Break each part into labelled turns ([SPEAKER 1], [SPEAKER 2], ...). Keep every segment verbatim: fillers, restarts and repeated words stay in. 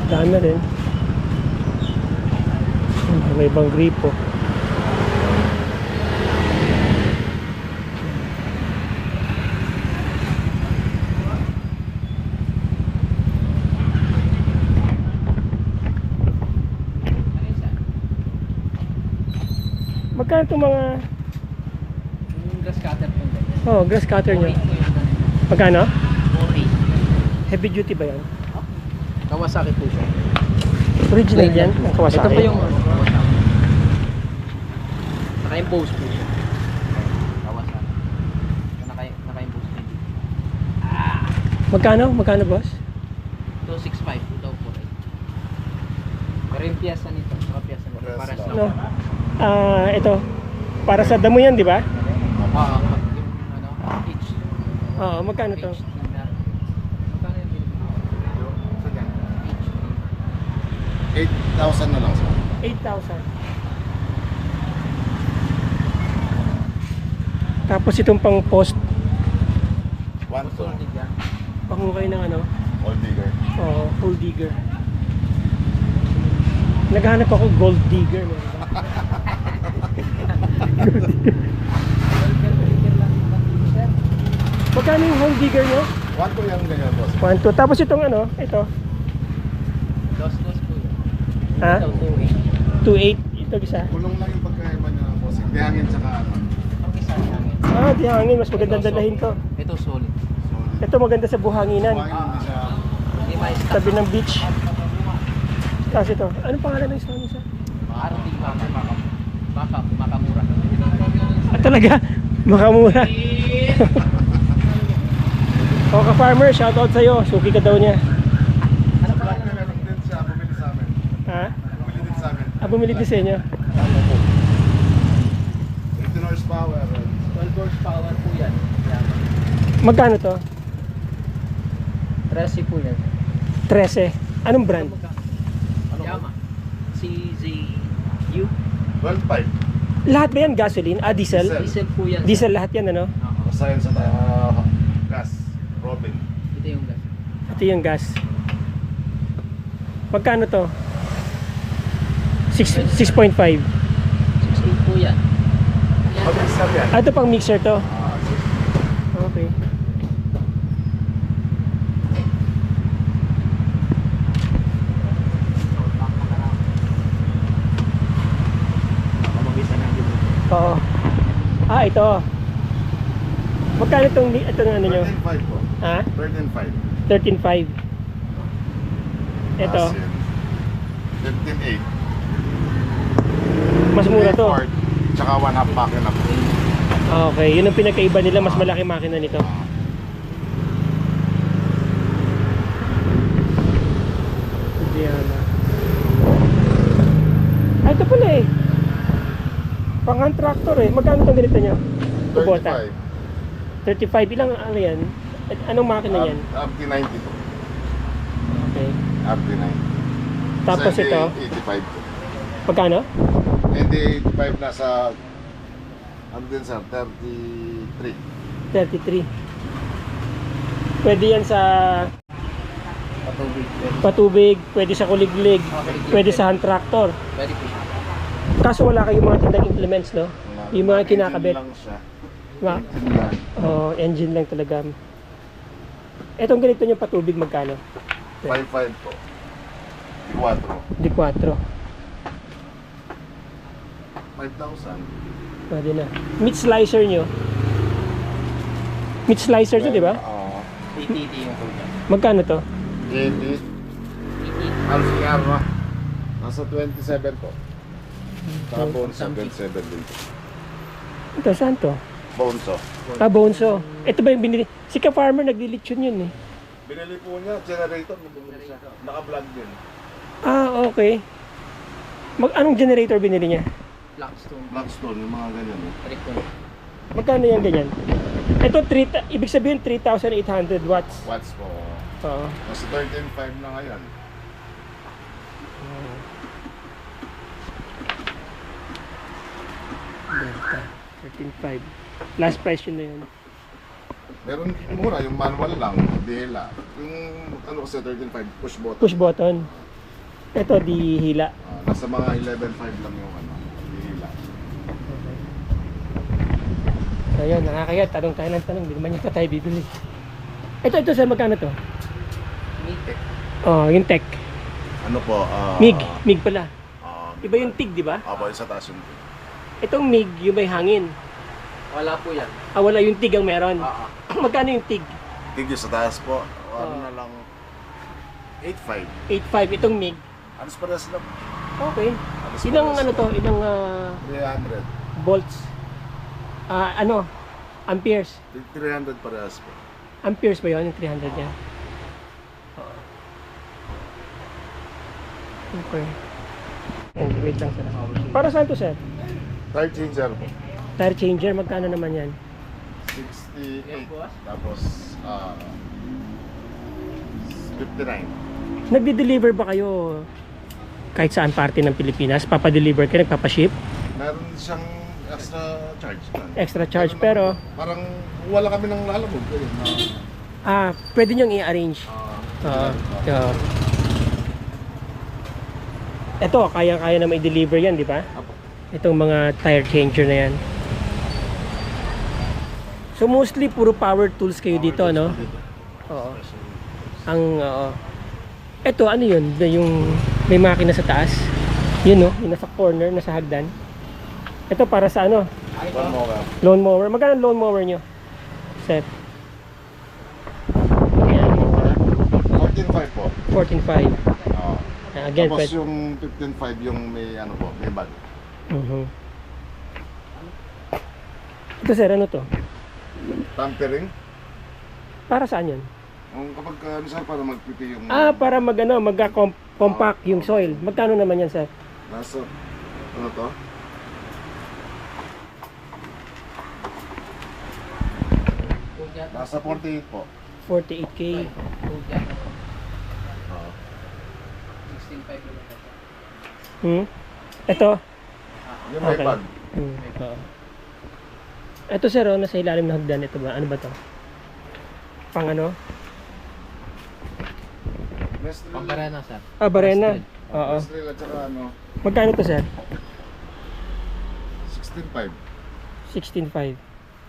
[SPEAKER 1] Daan na rin. May ibang gripo. Magkano itong mga...
[SPEAKER 2] Yung grass cutter po ganyan.
[SPEAKER 1] Oh, grass cutter nyo.
[SPEAKER 2] Boring po yung ganyan.
[SPEAKER 1] Magkano?
[SPEAKER 2] Boring.
[SPEAKER 1] Heavy duty ba yan?
[SPEAKER 2] Kawasaki po siya.
[SPEAKER 1] Original yan? Ang Kawasaki?
[SPEAKER 2] Ito po yung Kawasaki. Naka-impose po siya. Kawasaki. Naka- Naka-impose po dito.
[SPEAKER 1] Magkano? Magkano, boss?
[SPEAKER 2] two sixty-five po daw po. Pero yung piyasa nito, saka piyasa nito,
[SPEAKER 3] Piyasa
[SPEAKER 2] para sa...
[SPEAKER 1] No. Ah, ito. Para sa damo yan, di ba?
[SPEAKER 2] Ah, yung ano, each.
[SPEAKER 1] Oo, magkano to?
[SPEAKER 2] Each na. Magkano yung binibigay? Each.
[SPEAKER 3] eight thousand na lang sir.
[SPEAKER 1] eight thousand. Tapos itong pang post,
[SPEAKER 3] one to
[SPEAKER 2] Solid yan.
[SPEAKER 1] pangukay ng ano,
[SPEAKER 3] all digger.
[SPEAKER 1] oh, gold digger. Naghahanap ako gold digger. Meron ba? Magkano yung gold digger nyo?
[SPEAKER 3] One to yung ganyan boss.
[SPEAKER 1] one, two. Tapos itong ano, ito,
[SPEAKER 2] Dos-dos po yun.
[SPEAKER 1] ha?
[SPEAKER 2] Ito, two eight.
[SPEAKER 1] two eight. Ito isa.
[SPEAKER 3] Kulong lang yung pagkaiba niya boss. Hindi hangin tsaka ano.
[SPEAKER 2] Ang isa hangin.
[SPEAKER 1] Ah, di hangin. Mas magandang
[SPEAKER 2] Ito,
[SPEAKER 1] dalahin to.
[SPEAKER 2] Ito solid.
[SPEAKER 3] Solid.
[SPEAKER 1] Ito maganda sa buhanginan.
[SPEAKER 3] Buhangin hindi siya.
[SPEAKER 2] Hindi ma-stack.
[SPEAKER 1] Tabi ng beach. Tapos ito. Anong pangalan ng isa? Ano isa?
[SPEAKER 2] Arting baka. Baka, makamura.
[SPEAKER 1] Ah, talaga? Makamura. O ka-farmer, shoutout sa'yo. Suki ka daw niya.
[SPEAKER 2] Ano pa
[SPEAKER 3] Black na meron din siya. Bumili sa amin.
[SPEAKER 1] Ha?
[SPEAKER 3] Bumili din sa amin.
[SPEAKER 1] Ah, bumili din sa inyo.
[SPEAKER 3] eighteen horsepower.
[SPEAKER 2] twelve horsepower po yan. Yan.
[SPEAKER 1] Magkano to?
[SPEAKER 2] Tresi po yan.
[SPEAKER 1] thirteen. Anong brand?
[SPEAKER 2] Ano Yama. C Z U.
[SPEAKER 3] twelve five.
[SPEAKER 1] Lahat ba yan gasoline? Ah, diesel?
[SPEAKER 3] Diesel.
[SPEAKER 2] Diesel po yan.
[SPEAKER 1] Diesel lahat yan, ano?
[SPEAKER 2] Oo.
[SPEAKER 3] Basahin sa uh, gas. Robin.
[SPEAKER 2] Ito yung gas.
[SPEAKER 1] Ito yung gas. Magkano to? six point five.
[SPEAKER 2] six eight po yan.
[SPEAKER 3] Mag-mixer yan.
[SPEAKER 1] Ah, ito pang mixer to.
[SPEAKER 3] Ah,
[SPEAKER 1] Okay.
[SPEAKER 2] Mamabisa na dito.
[SPEAKER 1] Oo. Ah, ito. Magkano itong, ito ng ano nyo?
[SPEAKER 3] thirteen five po.
[SPEAKER 1] Ha?
[SPEAKER 3] thirteen five.
[SPEAKER 1] thirteen five. Ito.
[SPEAKER 3] fifteen eight.
[SPEAKER 1] Mas mura to.
[SPEAKER 3] Tsaka one half makina po.
[SPEAKER 1] Okay, yun ang pinagkaiba nila. Mas malaki makina nito. Diana. Ah, ito pala eh. Pang-hand tractor eh. Magkano itong ganito nyo? Kubota.
[SPEAKER 3] thirty-five.
[SPEAKER 1] thirty-five. Ilang ano yan? At anong makina yan?
[SPEAKER 3] Up to ninety po.
[SPEAKER 1] Okay.
[SPEAKER 3] Up to ninety.
[SPEAKER 1] Tapos
[SPEAKER 3] Sa
[SPEAKER 1] ito,
[SPEAKER 3] eighty-five po.
[SPEAKER 1] pagkano?
[SPEAKER 3] Hindi eighty-five nasa ano din sir, thirty-three.
[SPEAKER 1] thirty-three. Pwede yan sa
[SPEAKER 2] Patubig.
[SPEAKER 1] patubig, pwede sa kuliglig, pwede sa hand tractor.
[SPEAKER 2] Pwede po siya.
[SPEAKER 1] Kaso wala kayong mga tindang implements, no?
[SPEAKER 3] Wala.
[SPEAKER 1] Yung mga
[SPEAKER 3] Engine
[SPEAKER 1] kinakabit.
[SPEAKER 3] lang siya.
[SPEAKER 1] Ma
[SPEAKER 3] Engine lang.
[SPEAKER 1] oh, engine lang talaga. Etong ganito yung patubig magkano?
[SPEAKER 3] five five po. Quattro.
[SPEAKER 1] Di quattro.
[SPEAKER 3] five thousand.
[SPEAKER 1] Pwede na. Meat slicer nyo. Meat slicer to, di ba?
[SPEAKER 3] Oo.
[SPEAKER 2] A T T yung po niya.
[SPEAKER 1] Magkano to?
[SPEAKER 3] eighty.
[SPEAKER 2] A T T.
[SPEAKER 3] Alciarra. Nasa twenty-seven po. Saka Bonso, twenty-seven din po.
[SPEAKER 1] Ito, saan to?
[SPEAKER 3] Bonso.
[SPEAKER 1] Ah, Bonso. Ito ba yung binili? Si ka-farmer nagdilitsyon yun eh.
[SPEAKER 3] Binili po niya, generator. Bumili siya. Naka-vlog din.
[SPEAKER 1] Ah, okay. Mag anong generator binili niya?
[SPEAKER 2] Blackstone.
[SPEAKER 3] Blackstone, yung mga ganyan. Eh.
[SPEAKER 2] Tricon.
[SPEAKER 1] Magkano yung ganyan? Ito, three, ibig sabihin three thousand eight hundred watts.
[SPEAKER 3] Watts po.
[SPEAKER 1] Oo.
[SPEAKER 3] Nasa thirteen five na ngayon.
[SPEAKER 1] Delta. thirteen five. Last price yun na yun.
[SPEAKER 3] Meron mura, yung manual lang, dela. Yung ano kasi thirteen five, push button.
[SPEAKER 1] Push button. Ito, di hila.
[SPEAKER 3] Ah, nasa mga eleven point five lang yung ano, hihila.
[SPEAKER 1] So yun, nakakaya. Tanong tayo ng tanong. Hindi naman yata tayo bibili. Ito, ito sir, magkano to?
[SPEAKER 2] Mitek.
[SPEAKER 1] Oh, yung tech.
[SPEAKER 3] Ano po? ah,
[SPEAKER 1] MIG. MIG pala.
[SPEAKER 3] ah,
[SPEAKER 1] Iba yung TIG, di ba?
[SPEAKER 3] Apo, yung sa taas yung
[SPEAKER 1] Itong MIG, yung may hangin.
[SPEAKER 2] Wala po yan.
[SPEAKER 1] Ah, wala yung TIG ang meron.
[SPEAKER 2] Ah, ah.
[SPEAKER 1] Magkano yung TIG?
[SPEAKER 3] tig yung sa taas po. O, ano
[SPEAKER 1] Ah.
[SPEAKER 3] na lang, eight point five.
[SPEAKER 1] eight point five. Itong MIG.
[SPEAKER 3] Ano sa paras lang?
[SPEAKER 1] Okay.
[SPEAKER 3] Alas
[SPEAKER 1] Ilang
[SPEAKER 3] paras
[SPEAKER 1] ano
[SPEAKER 3] lang.
[SPEAKER 1] to? Ilang ah,
[SPEAKER 3] three hundred.
[SPEAKER 1] volts? Ah, ano? Amperes.
[SPEAKER 3] three hundred parehas po.
[SPEAKER 1] Amperes ba yun? Yung three hundred niya? Oo. Okay. And wait lang sir. Para saan to sir?
[SPEAKER 3] Tire changer po.
[SPEAKER 1] Tire changer, magkano naman yan?
[SPEAKER 3] sixty-eight. Tapos, ah, fifty-nine.
[SPEAKER 1] Nagde-deliver ba kayo kahit saan parte ng Pilipinas? Papadeliver kayo, nagpapaship?
[SPEAKER 3] Meron siyang extra charge. man.
[SPEAKER 1] Extra charge,
[SPEAKER 3] Meron
[SPEAKER 1] pero
[SPEAKER 3] naman- Parang wala kami ng lalabog. Ganyan, na,
[SPEAKER 1] ah, pwede nyo i-arrange.
[SPEAKER 3] ah,
[SPEAKER 1] Oo. Oo. Ito, kaya-kaya na may deliver yan, di ba?
[SPEAKER 3] Apo.
[SPEAKER 1] Itong mga tire changer na yan. So mostly puro power tools kayo dito, no? Oo. Ang oo. Ito ano 'yun? Yung may makina sa taas. 'Yun no, yung nasa corner, nasa hagdan. Ito para sa ano?
[SPEAKER 3] One more.
[SPEAKER 1] Lawn mower. Magkano ang lawn mower nyo? Set. Ayan,
[SPEAKER 3] fourteen point five po.
[SPEAKER 1] fourteen point five.
[SPEAKER 3] Ah.
[SPEAKER 1] Again,
[SPEAKER 3] Tapos
[SPEAKER 1] pwede.
[SPEAKER 3] yung fifteen point five yung may ano po, may bag.
[SPEAKER 1] Mhm. Ito sir, ano to?
[SPEAKER 3] Tampering.
[SPEAKER 1] Para saan 'yun?
[SPEAKER 3] Kung kapag uh, ano sir, para magpipi yung
[SPEAKER 1] Ah, para mag ano, magka-compact yung soil. Magkano naman yan, sir?
[SPEAKER 3] nasa ano to? Nasa forty-eight po.
[SPEAKER 1] forty-eight K.
[SPEAKER 3] Ah.
[SPEAKER 2] sixteen point five lang ito.
[SPEAKER 1] Hmm? Ito?
[SPEAKER 3] Yung may
[SPEAKER 1] Okay.
[SPEAKER 3] bag.
[SPEAKER 1] Hmm. Oo. Ito sir, oh, nasa ilalim ng hagdan. Ito ba? Ano ba to? Pang ano?
[SPEAKER 3] Nestle.
[SPEAKER 2] Pambarena, sir.
[SPEAKER 1] Ah, barena. Oo.
[SPEAKER 3] Nestle at saka ano,
[SPEAKER 1] Magkano to sir?
[SPEAKER 3] sixteen point five.
[SPEAKER 1] sixteen point five.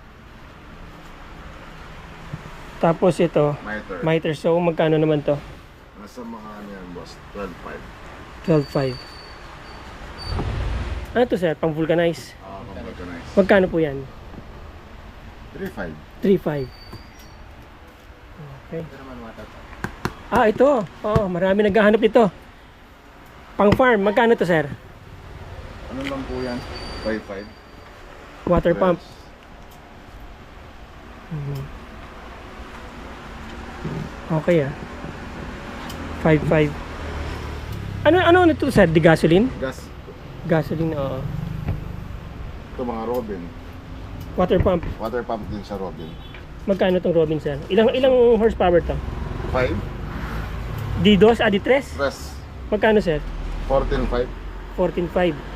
[SPEAKER 1] Tapos ito,
[SPEAKER 3] Miter.
[SPEAKER 1] miter. So, magkano naman to?
[SPEAKER 3] Nasa mga ano yan, boss? twelve point five.
[SPEAKER 1] twelve point five. Ano to sir? Pang vulcanize.
[SPEAKER 3] Ah, computerized.
[SPEAKER 1] Magkano po yan?
[SPEAKER 3] three point five.
[SPEAKER 1] three point five. Okay.
[SPEAKER 2] Ito naman water.
[SPEAKER 1] Ah, ito. Oo, marami naghahanap ito. Pang farm. Magkano to sir?
[SPEAKER 3] Ano lang po yan? five point five.
[SPEAKER 1] Water pump.
[SPEAKER 3] Yes.
[SPEAKER 1] Mhm. Okay ah. five point five. Ano ano ano to sir? Di gasoline?
[SPEAKER 3] Gas.
[SPEAKER 1] Gasoline, oo.
[SPEAKER 3] Ito mga Robin.
[SPEAKER 1] Water pump.
[SPEAKER 3] Water pump din sa Robin.
[SPEAKER 1] Magkano tong Robin sir? Ilang ilang horsepower to?
[SPEAKER 3] five.
[SPEAKER 1] D dos, ah, D tres?
[SPEAKER 3] Press.
[SPEAKER 1] Magkano sir?
[SPEAKER 3] fourteen point five.
[SPEAKER 1] fourteen point five.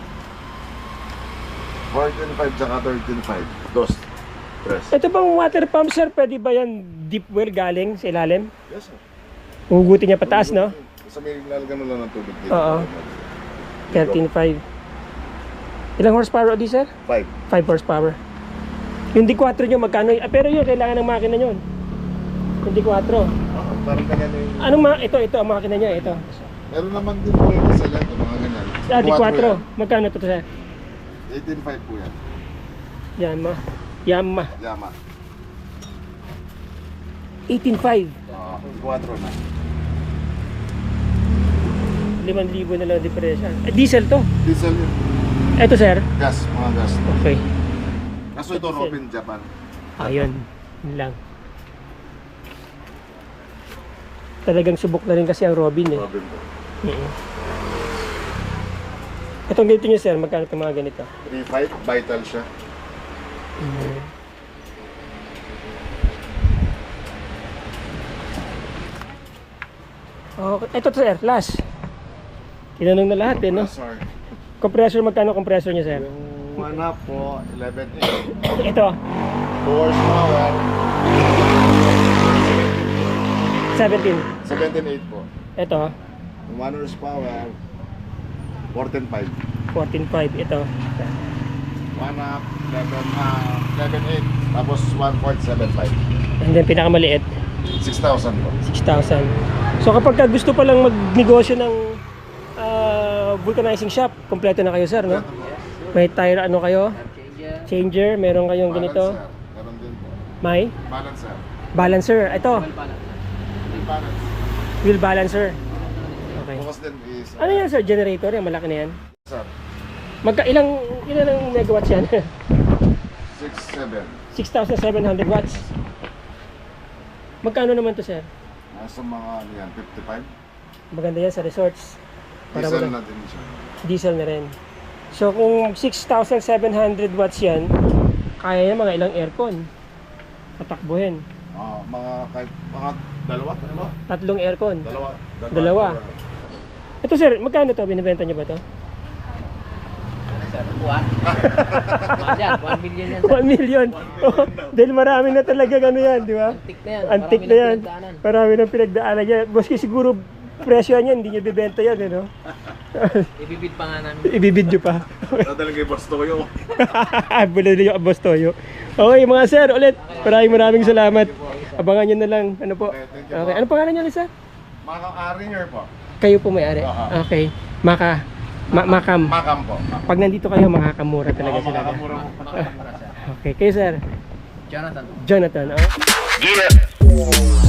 [SPEAKER 3] fourteen point five tsaka thirteen point five. Dos. Press.
[SPEAKER 1] Ito bang water pump sir? Pwede ba yan deep well galing sa ilalim?
[SPEAKER 3] Yes, sir.
[SPEAKER 1] Hugutin niya pataas, no?
[SPEAKER 3] Sa may lalagyan mo lang ng tubig dito.
[SPEAKER 1] Oo. thirteen point five. Ilang horsepower di sir?
[SPEAKER 3] five.
[SPEAKER 1] five horsepower. Yung D four nyo magkano? Ah, pero yun, kailangan ng makina nyo. Yung D four.
[SPEAKER 3] Oh, parang ganyan yung...
[SPEAKER 1] Anong ma ito, ito ang makina niya, ito.
[SPEAKER 3] Meron naman din po yung sa lento, mga ganyan.
[SPEAKER 1] Ah, D four.
[SPEAKER 3] yan.
[SPEAKER 1] Magkano to sir?
[SPEAKER 3] eighteen point five po yan.
[SPEAKER 1] Yama. Yama.
[SPEAKER 3] Yama.
[SPEAKER 1] eighteen point five.
[SPEAKER 3] Oo, D four na.
[SPEAKER 1] limang libo na lang diferensya. Eh, diesel to.
[SPEAKER 3] Diesel yun.
[SPEAKER 1] Ito sir.
[SPEAKER 3] Gas, mga gas.
[SPEAKER 1] Okay.
[SPEAKER 3] Kaso ito,
[SPEAKER 1] Diesel.
[SPEAKER 3] Robin Japan.
[SPEAKER 1] Ayun. Yun lang. Talagang subok na rin kasi ang Robin eh.
[SPEAKER 3] Robin po.
[SPEAKER 1] Mm-mm. Itong ganito nyo sir, magkano itong mga ganito?
[SPEAKER 3] three point five, vital siya.
[SPEAKER 1] Mm. Okay, ito to sir, last. Tinanong na lahat eh, no?
[SPEAKER 3] Sorry.
[SPEAKER 1] Compressor, magkano compressor niya sir?
[SPEAKER 3] Yung one up po, eleven point eight.
[SPEAKER 1] Ito,
[SPEAKER 3] two horsepower,
[SPEAKER 1] seventeen.
[SPEAKER 3] seventeen point eight po.
[SPEAKER 1] Ito,
[SPEAKER 3] one horsepower, fourteen five.
[SPEAKER 1] fourteen five ito.
[SPEAKER 3] one up, eleven, ah, eleven eight. Tapos one point seven five.
[SPEAKER 1] And then pinakamaliit,
[SPEAKER 3] six thousand po.
[SPEAKER 1] six thousand. So kapag ka gusto pa lang magnegosyo ng ah, vulcanizing shop, kompleto na kayo sir, no? May tire ano kayo?
[SPEAKER 2] Changer.
[SPEAKER 1] Changer, meron kayong ganito.
[SPEAKER 3] Balancer. Meron din po.
[SPEAKER 1] May
[SPEAKER 3] Balancer.
[SPEAKER 1] balancer. Ito,
[SPEAKER 2] Well, balance.
[SPEAKER 3] May balance.
[SPEAKER 1] wheel balancer. Okay.
[SPEAKER 3] Bukas din is...
[SPEAKER 1] Ano yan sir? Generator? Yung malaki na yan?
[SPEAKER 3] Sir,
[SPEAKER 1] Magka ilang ilan ang megawatts yan?
[SPEAKER 3] six seven.
[SPEAKER 1] six thousand seven hundred watts. Magkano naman to sir?
[SPEAKER 3] Nasa mga ano yan, fifty-five.
[SPEAKER 1] Maganda yan sa resorts. Para
[SPEAKER 3] Diesel
[SPEAKER 1] wala-
[SPEAKER 3] na din siya.
[SPEAKER 1] Diesel na rin. So kung six thousand seven hundred watts yan, kaya yan mga ilang aircon. Tatakbuhin.
[SPEAKER 3] Ah, mga kahit mga dalawa, dalawa.
[SPEAKER 1] Tatlong aircon.
[SPEAKER 3] Dalawa.
[SPEAKER 1] Dalawa. Ito sir, magkano to? Binibenta niyo ba to?
[SPEAKER 2] Sir, buwan. Buwan yan, one million yan. sir.
[SPEAKER 1] one million. Oh, dahil marami na talaga ano yan, di ba?
[SPEAKER 2] Antik na yan.
[SPEAKER 1] Antik
[SPEAKER 2] Marami
[SPEAKER 1] na yan.
[SPEAKER 2] pinagdaanan.
[SPEAKER 1] Marami na pinagdaanan yan. Maski siguro presyo niyan, hindi niyo bibenta yan, eh, no?
[SPEAKER 2] Ibibid pa nga namin.
[SPEAKER 1] Ibibid niyo pa.
[SPEAKER 3] Dadala kay Boss Toyo.
[SPEAKER 1] Bulo niyo ang boss Toyo. Okay mga sir, ulit. Maraming maraming salamat. Abangan niyo na lang. Ano po?
[SPEAKER 3] Okay, thank you
[SPEAKER 1] Okay.
[SPEAKER 3] po.
[SPEAKER 1] Ano pangalan niyo, Lisa?
[SPEAKER 3] Mga Aringer po.
[SPEAKER 1] Kayo po may-ari.
[SPEAKER 3] Aha.
[SPEAKER 1] Okay. Maka. Ma- makam.
[SPEAKER 3] Makam po.
[SPEAKER 1] Pag nandito kayo, makakamura talaga
[SPEAKER 3] Oo,
[SPEAKER 1] sila.
[SPEAKER 3] makakamura po.
[SPEAKER 2] Makakamura, sir.
[SPEAKER 1] Okay. Kayo sir?
[SPEAKER 2] Jonathan.
[SPEAKER 1] Jonathan. Oh.
[SPEAKER 3] Yeah.